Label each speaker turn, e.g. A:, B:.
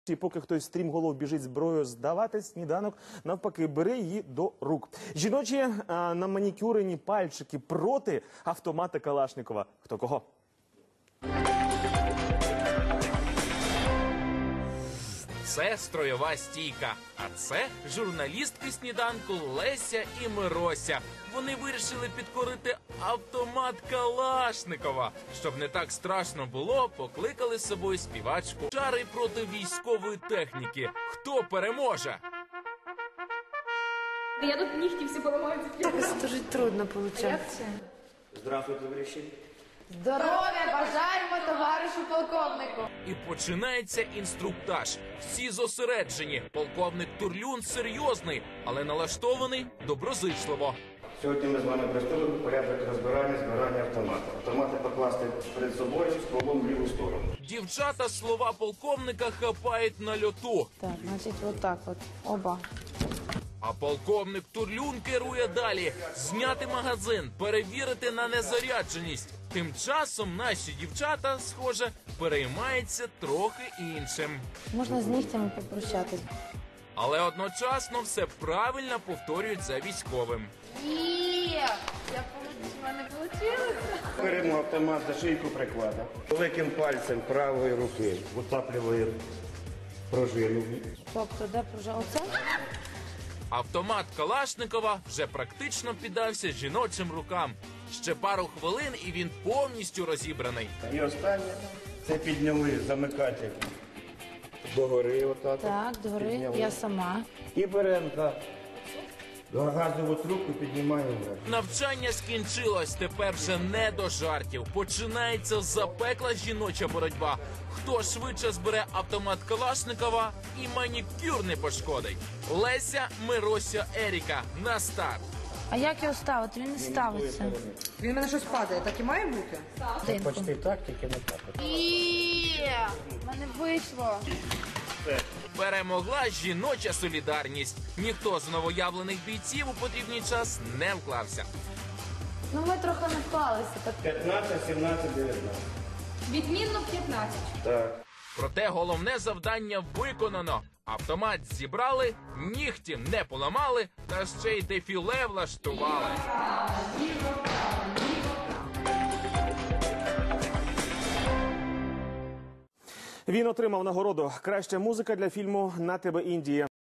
A: І поки хтось стрімголов біжить зброю здавати, сніданок навпаки бере її до рук. Жіночі наманікюрені пальчики проти автомата Калашникова. Хто кого?
B: Це строєва стійка, а це журналістки сніданку Леся і Мирося. Вони вирішили підкорити автомат Калашникова. Щоб не так страшно було, покликали з собою співачку. Чари проти військової техніки. Хто переможе?
C: Я тут нігті всі поламаю.
D: Так дуже трудно получается.
E: Здравствуйте, товариші.
D: Здоров'я бажаємо товаришу полковнику.
B: І починається інструктаж. Всі зосереджені. Полковник Турлюн серйозний, але налаштований доброзичливо.
E: Сьогодні ми з вами приступимо порядок розбирання, збирання автомата. Автомати покласти перед собою з стволом в ліву сторону.
B: Дівчата слова полковника хапають на льоту.
D: Так, значить, вот так вот. Оба.
B: А полковник Турлюн керує далі. Зняти магазин, перевірити на незарядженість. Тим часом наші дівчата, схоже, переймаються трохи іншим.
D: Можна з нігтями попрощатись.
B: Але одночасно все правильно повторюють за військовим.
D: В мене вийшло.
E: Беремо автомат за шийку приклада. Великим пальцем правої руки витаплюємо пружину.
D: Тобто, де пружа? Оце?
B: Автомат Калашникова вже практично піддався жіночим рукам. Ще пару хвилин і він повністю розібраний.
E: І останнє це підняли замикатель догори. Отак.
D: Так, догори.
E: Підняли.
D: Я сама.
E: І беремо так. Газову трубку піднімаємо вверх.
B: Навчання скінчилось, тепер вже не до жартів. Починається запекла жіноча боротьба. Хто швидше збере автомат Калашникова і манікюр не пошкодить. Леся, Мирося, Еріка. На старт.
D: А як його ставити? Він не ставиться.
F: Він в мене щось падає, так і має бути?
E: Почти так, тільки не так.
D: В мене вийшло.
B: Перемогла жіноча солідарність. Ніхто з новоявлених бійців у потрібний час не вклався.
D: Ну, ми трохи не вклалися. Так.
E: 15, 17, 19.
C: Відмінно 15.
E: Так.
B: Проте головне завдання виконано. Автомат зібрали, нігті не поламали, та ще й дефіле влаштували.
A: Він отримав нагороду «Краща музика для фільму «На тебе, Індія».